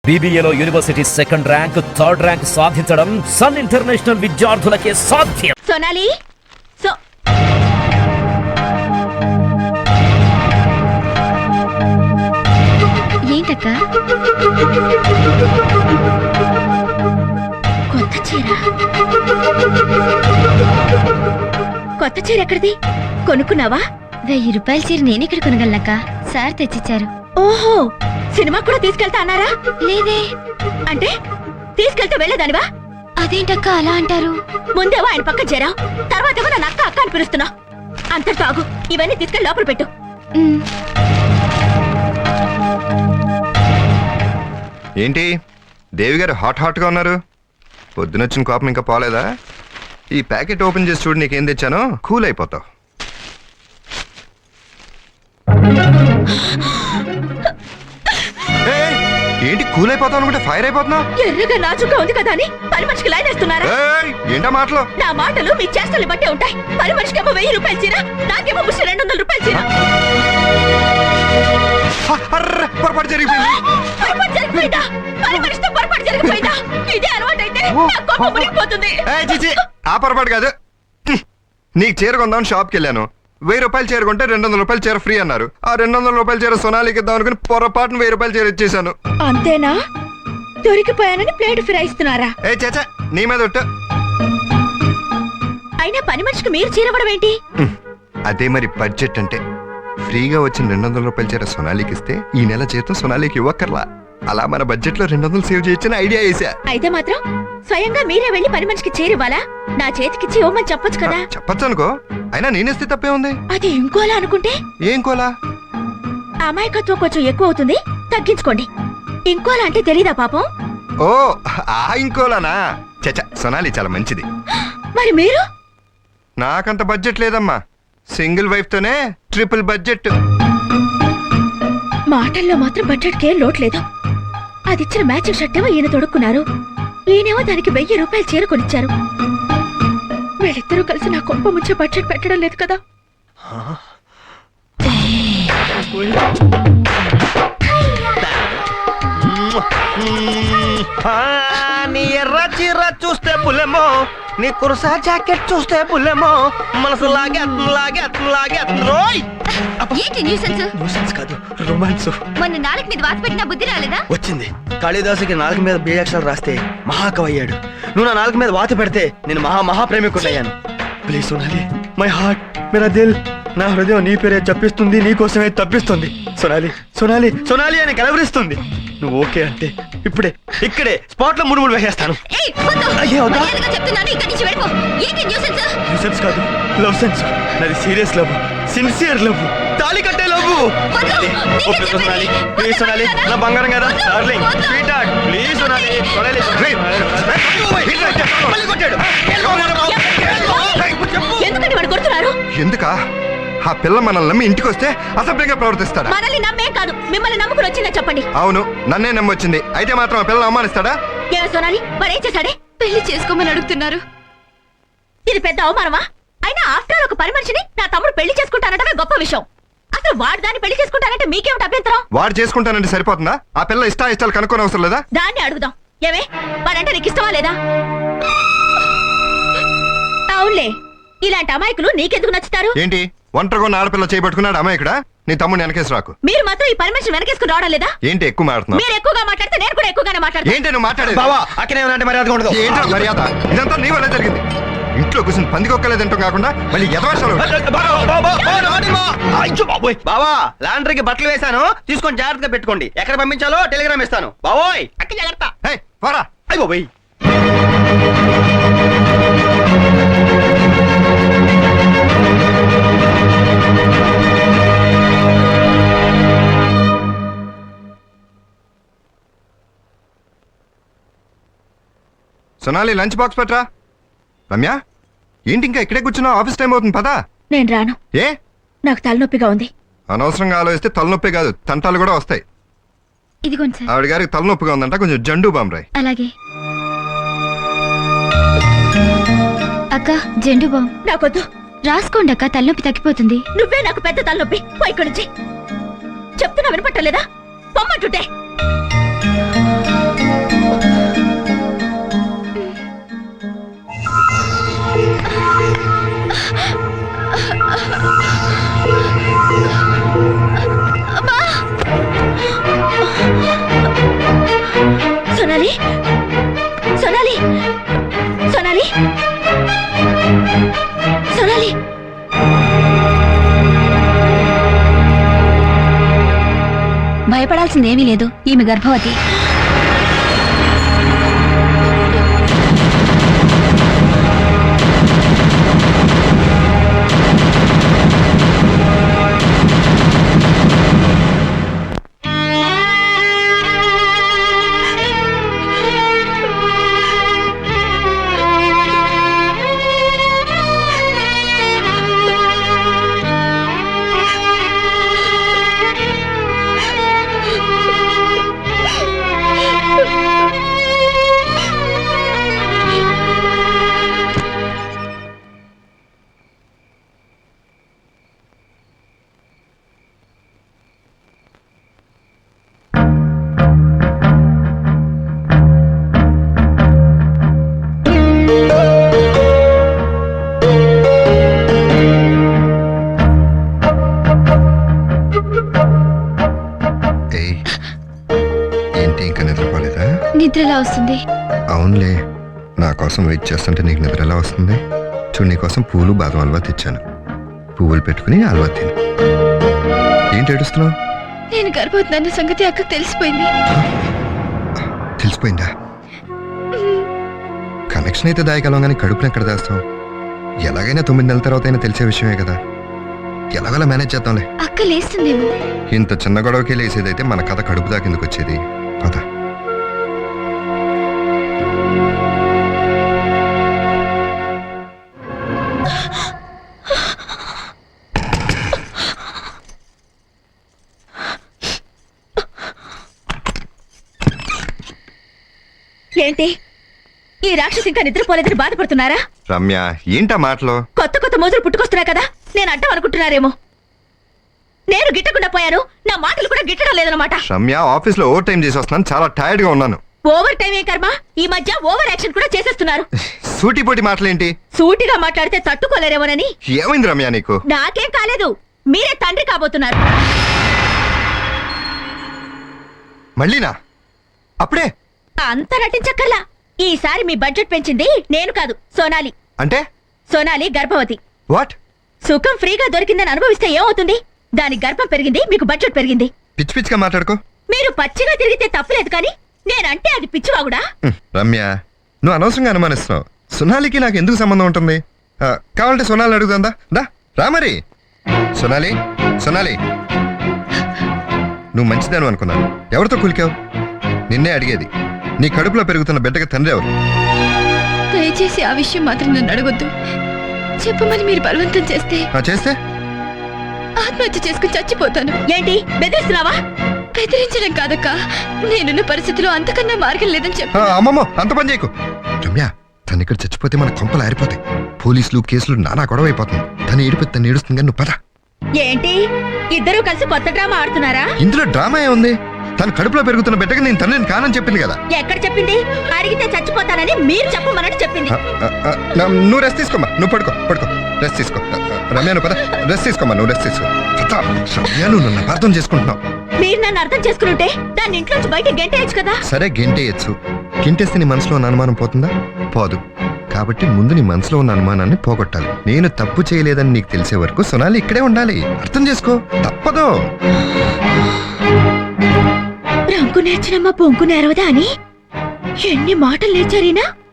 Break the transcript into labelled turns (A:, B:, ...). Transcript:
A: BBAలో university second rank, third rank సాధించడం Sun international విద్యార్థులకే సాధ్యం.
B: సోనాలి ఏంటక్క కొత్త చీర ఎక్కడిది? కొనుక్కున్నావా?
C: 1000 రూపాయల చీర నేనెక్కడ కొనగలనక్క? సార్ తెచ్చిచ్చారు.
B: ఓహో, సినిమా కూడా తీసుకెళ్తా అన్నారా?
C: లేదే.
B: అంటే తీసుకెళ్తే వెళ్ళేదానివా?
C: అదేంటక్క అలా అంటారు?
B: ముందేవో ఆయన పక్క చేరావు, తర్వాత నన్ను అక్క అక్క అని పిలుస్తున్నా. అంతటితో ఆగు, ఇవన్నీ తీసుకెళ్ళి లోపల పెట్టు.
D: ఏంటి దేవి గారు హాట్ గా ఉన్నారు? పొద్దునొచ్చిన కోపం ఇంకా పోలేదా? ఈ ప్యాకెట్ ఓపెన్ చేసి చూడు, నీకేం తెచ్చానో కూల్ అయిపోతావు. ఏంటి కూల్ అయిపోతావు అనుకుంటే ఫైర్ అయిపోతున్నావు?
B: ఎర్రగా నాచుగా ఉంది కదా అని పని మనిషికి లైన్ వేస్తున్నారా?
D: ఏంటా మాటలు?
B: నా మాటలు మీ చేష్టలు బట్టే ఉంటాయి. పని మనిషికేమో 1000 రూపాయల చీర, నాకేమో 200 రూపాయల చీర.
D: పొరపాటు జరిగిపోయింది.
B: పని మనిషితో పొరపాటు జరిగిపోయిందా? ఇదే అలవాటు అయితే నా కోపం మునిగిపోతుంది.
D: ఆ పొరపాటు కాదు. నీకు చీర కొందామని షాప్కి వెళ్ళాను. 1000 రూపాయలు చీర కొంటే 200 రూపాయలు చీర ఫ్రీ అన్నారు. ఆ 200 రూపాయల చీర సోనాలికి ఇద్దాం అనుకుని పొరపాటున 1000 రూపాయల చీర ఇచ్చేసాను.
B: అంతేనా? దొరికిపోయానని ప్లేట్ ఫిరాయిస్తున్నారా?
D: చేచా నీ మీద ఒట్టు.
B: అయినా పని మనిషికి మీరు చీర ఇవ్వడం ఏంటి?
D: అదే మరి బడ్జెట్ అంటే. ఫ్రీగా వచ్చిన 200 రూపాయల చీర సోనాలికి ఇస్తే ఈ నెల జీతం సోనాలికి ఇవ్వక్కర్లా. అలా మన బడ్జెట్ లో 200 సేవ్ చేయొచ్చని ఐడియా వేసా.
B: అయితే మాత్రం స్వయంగా మీరే వెళ్ళి పని మనిషికి చేరివ్వాలా? నా చేతికిచ్చి ఇవ్వమని చెప్పొచ్చు కదా.
D: చెప్పచ్చు అనుకో, అయినా నేనేస్తే తప్పే ఉంది.
B: అది ఇంకోలా అనుకుంటే?
D: ఏం కోలా?
B: అమాయకత్వం కొంచెం ఎక్కువ అవుతుంది, తగ్గించుకోండి. ఇంకోలా అంటే తెలీదా పాపం?
D: ఓ ఆ ఇంకోలానా? చచ్చా, సోనాలి చాలా మంచిది.
B: మరి మీరు?
D: నాకంత బడ్జెట్ లేదమ్మా. సింగిల్ వైఫ్ తోనే ట్రిపుల్ బడ్జెట్.
B: మాటల్లో మాత్రం బడ్జెట్ కేం లోట్లేదు. అది ఇచ్చిన మ్యాచింగ్ షర్ట్ ఏమో ఈయన తొడుక్కున్నారు, ఈయనేమో దానికి 1000 రూపాయలు చీర కొనిచ్చారు. వీళ్ళిద్దరూ కలిసి నా కొంప ముంచే బడ్జెట్ పెట్టడం లేదు కదా.
E: నీ ఎర్ర చీర చూస్తే పులెమో, నీ కుర్సా జాకెట్ చూస్తే పులెమో, మనసు లాగే కాదు రొమాన్స్.
C: మొన్న నాలుగు మీద వాత పెట్టిన బుద్ధి రాలేదా?
E: వచ్చింది. కాళిదాసుకి నాలుగు మీద బీజాక్షరాలు రాస్తే మహాకవి అయ్యాడు. నువ్వు నా నాలుగు మీద వాత పెడితే నేను మహాప్రేమికుడయ్యాను. ప్లీజ్ సోనాలి, మై హార్ట్, మేరా దిల్, నా హృదయం నీ పేరే చెప్పిస్తుంది, నీ కోసమే తప్పిస్తుంది. సోనాలి అని కలవరిస్తుంది. నువ్వు ఓకే అంటే ఇక్కడే స్పాట్ లో 3 వేసేస్తాను. న్యూసెన్స్ కాదు, లవ్ సెన్స్. నాది సీరియస్ లవ్, సిన్సియర్ లవ్, తాళి కట్టే లవ్. ప్లీజ్ సోనాలి, నా బంగారం కదా, darling, sweetheart, please Sonali.
B: ఎందుకంటే వాడు కొడుతున్నారు?
D: ఎందుకా? ఆ పిల్ల మనల్ని నమ్మి ఇంటికి వస్తే అసభ్యంగా ప్రవర్తిస్తాడా?
B: మనల్ని నమ్మే కాదు, మిమ్మల్ని నమ్ముకుని వచ్చిందా చెప్పండి.
D: అవును, నన్నే నమ్మొచ్చింది. అయితే మాత్రం ఆ పిల్లలు అవమానిస్తాడా?
B: ఏ సోనాలి, మరేం చేశాడే?
C: పెళ్లి చేసుకోమని అడుగుతున్నారు.
B: ఇది పెద్ద అవమానమా? అయినా ఆఫ్టర్ ఒక పని మనిషిని నా తమ్ముడు పెళ్లి చేసుకుంటానంటే గొప్ప విషయం. అసలు వాడు దాన్ని పెళ్లి చేసుకుంటానంటే మీకేమిటి అభ్యంతరం?
D: వాడు చేసుకుంటానంటే సరిపోతుందా? ఆ పిల్ల ఇష్టాలు కనుక్కోని అవసరం లేదా?
B: దాన్ని అడుగుదాం. ఏమే, వాడంటే నీకు ఇష్టమా లేదా? అవునులే, ఇలాంటి అమాయకులు నీకెందుకు నచ్చుతారు?
D: ఏంటి ఒంటరిగా ఉన్న ఆడపిల్ల చేయబట్టుకున్నాడు అమ్మాయికుడా? నీ తమ్ముడు వెనకేసి రాకు.
B: మీరు మాత్రం ఈ పని మనిషిని వెనకేసుకుని రావడం లేదా?
D: ఏంటి ఎక్కువ మాట్లాడుతున్నావు?
B: మీరు ఎక్కువగా మాట్లాడితే నేను కూడా ఎక్కువగానే మాట్లాడతాను.
D: ఏంటి నువ్వు మాట్లాడేది?
E: బావా, అక్కడే ఉన్నట్టు మర్యాద ఉండదు.
D: ఏంటో మర్యాద? ఇదంతా నీ వల్ల జరిగింది. ఇంట్లో కూర్చొని పందికొక్కలేదంటాం కాకుండా మళ్ళీ ఎదవాషాలు.
E: బావా, లాండ్రీకి బట్టలు వేశాను, తీసుకొని జాగ్రత్తగా పెట్టుకోండి. ఎక్కడ పంపించాలో టెలిగ్రామ్ ఇస్తాను. బావోయ్, అక్క జాగ్రత్త.
D: పోరా.
E: అయ్యి బాబోయ్.
D: సోనాలి, లంచ్ బాక్స్ పెట్టరా. రమ్య, ఏంటి ఇంకా ఇక్కడే కూర్చున్నావు? ఆఫీస్ టైం అవుతుంది, పదా.
B: నేను రాను.
D: ఏ?
B: నాకు తలనొప్పిగా ఉంది.
D: అనవసరంగా ఆలోచిస్తే తలనొప్పి కాదు, తంటాలు కూడా వస్తాయి.
C: ఇదిగోండి సార్.
D: ఆవిడ గారికి తలనొప్పిగా ఉందంట, కొంచెం జండు బామ్ రాయ్.
C: అలాగే. అక్క, జెండు బామ్
B: నాకొద్దు.
C: రాసుకోండి అక్క, తలనొప్పి తగ్గిపోతుంది.
B: నువ్వే నాకు పెద్ద తలనొప్పి. పోయి ఇక్కడి నుంచి. చెప్తున్నా వినపట్టలేదా? పొమ్మంటుంటే.
C: భయపడాల్సిందేమీ లేదు, ఈమె గర్భవతి.
D: ఏయ్, ఏంటి ఇంకా నిద్రపోలేదా?
C: నిద్ర ఎలా వస్తుంది?
D: అవునులే, నా కోసం వెయిట్ చేస్తుంటే నీకు నిద్ర ఎలా వస్తుంది? చూడు, నీ కోసం పూలు బాదం హల్వా తెచ్చాను. పువ్వులు పెట్టుకుని హల్వా తిను. ఏంటి ఏడుస్తున్నావు?
C: నేను గర్భవతి అన్న సంగతి అక్కకు తెలిసిపోయింది.
D: తెలిసిపోయిందా? కనెక్షన్ అయితే దాయగలం, కానీ కడుపుని ఎక్కడ దాస్తాం? ఎలాగైనా 9 నెలల తర్వాత అయినా తెలిసే విషయమే కదా. ఎలాగోలా మేనేజ్ చేద్దాంలే.
C: అక్క లేస్తుందేమో.
D: ఇంత చిన్న గొడవకి లేసేదైతే మన కథ కడుపు దాకిందుకు వచ్చేది. పద.
B: ఏంటి ఈ రాక్షసి ఇంకా నిద్రపోలేదని బాధపడుతున్నారా?
D: రమ్య, ఏంటా మాటలు?
B: కొత్త కొత్త మోజులు పుట్టుకొస్తున్నాయి కదా, నేను అడ్డం అనుకుంటున్నారేమో. నేను గిట్టకుండా పోయాను, నా మాటలు కూడా గిట్టడం లేదన్నమాట.
D: రమ్య, ఆఫీస్ లో ఓవర్ టైం చేసి వస్తున్నాను, చాలా టైర్డ్ గా ఉన్నాను.
B: ఓవర్ టైం ఏ కర్మ, ఈ మధ్య ఓవర్ యాక్షన్ కూడా చేసేస్తున్నారు.
D: సూటిపోటి మాటలేంటి?
B: సూటిగా మాట్లాడితే తట్టుకోలేరేమోనని.
D: ఏమైంది రమ్య నీకు?
B: నాకేం కాలేదు, మీరే తండ్రి కాబోతున్నారు.
D: మళ్ళీనా? అప్పుడే?
B: అంత నటించక్కర్లా. ఈసారి మీ బడ్జెట్ పెంచింది నేను కాదు, సోనాలి.
D: అంటే?
B: సోనాలి గర్భవతి.
D: వాట్?
B: సుఖం ఫ్రీగా దొరికిందని అనుభవిస్తే ఏమవుతుంది? దాని గర్భం పెరిగింది, మీకు బడ్జెట్ పెరిగింది.
D: పిచ్చి పిచ్చిగా మాట్లాడుకో.
B: మీరు పచ్చిగా తిరిగితే తప్పులేదు, కానీ నేనంటే అది పిచ్చివాగుడా?
D: రమ్య, నువ్వు అనవసరంగా అనుమానిస్తున్నావు. సోనాలికి నాకు ఎందుకు సంబంధం ఉంటుంది? కావాలంటే సోనాలి అడుగుతుందా? రా మరి. సోనాలి, సోనాలి, నువ్వు మంచిదాను అనుకున్నాను. ఎవరితో కులికావు? నిన్నే అడిగేది. నీ కడుపులో పెరుగుతున్న బిడ్డకి తండ్రి ఎవరు?
C: దయచేసి ఆ విషయం మాత్రం నన్ను అడగొద్దు. చెప్పమని మీరు బలవంతం చేస్తే
D: చేస్తే
C: ఆత్మహత్య చేసుకుని చచ్చిపోతాను.
B: ఏంటి బెదిరిస్తున్నావా?
C: బెదిరించడం కాదక్క, నేనున్న పరిస్థితిలో అంతకన్నా మార్గం లేదని చెప్పి.
D: అమ్మమ్మో, అంత పని చేయకు. రమ్య, తను ఇక్కడ చచ్చిపోతే మన కొంపలు ఆరిపోతాయి. పోలీసులు కేసులు నానా గొడవ అయిపోతుంది. తను ఏడిపోతే తను ఏడుస్తుంది, కానీ నువ్వు పద.
B: ఏంటి ఇద్దరూ కలిసి కొత్త డ్రామా ఆడుతున్నారా?
D: ఇందులో డ్రామా ఏముంది? తను కడుపులో పెరుగుతున్న బిడ్డకి నేను తండ్రిని కానని చెప్పింది కదా.
B: ఎక్కడ చెప్పింది? అడిగితే చచ్చిపోతానని మీరు చెప్పమన్నట్టు చెప్పింది.
D: నువ్వు రెస్ట్ తీసుకోమ్మా, నువ్వు పడుకో పడుకో, రెస్ట్ తీసుకో. రమ్య, నువ్వు పద, రెస్ట్ తీసుకోమ్మా, నువ్వు రెస్ట్ తీసుకో. రమ్య, నువ్వు నన్ను అర్థం చేసుకుంటున్నావు.
B: మీరు నన్ను అర్థం చేసుకుంటే దాన్ని ఇంట్లోంచి బయట గెంటేయచ్చు కదా.
D: సరే, గెంటేయచ్చు. గెంటేస్తే నీ మనసులో ఉన్న అనుమానం పోతుందా? పోదు. కాబట్టి ముందు నీ మనసులో ఉన్న అనుమానాన్ని పోగొట్టాలి. నేను తప్పు చేయలేదని నీకు తెలిసే వరకు సోనాలి ఇక్కడే ఉండాలి. అర్థం చేసుకో, తప్పదు.
B: రంకు నేర్చినమ్మ పొంకు నేరవదా అని ఎన్ని మాటలు నేర్చారీనా?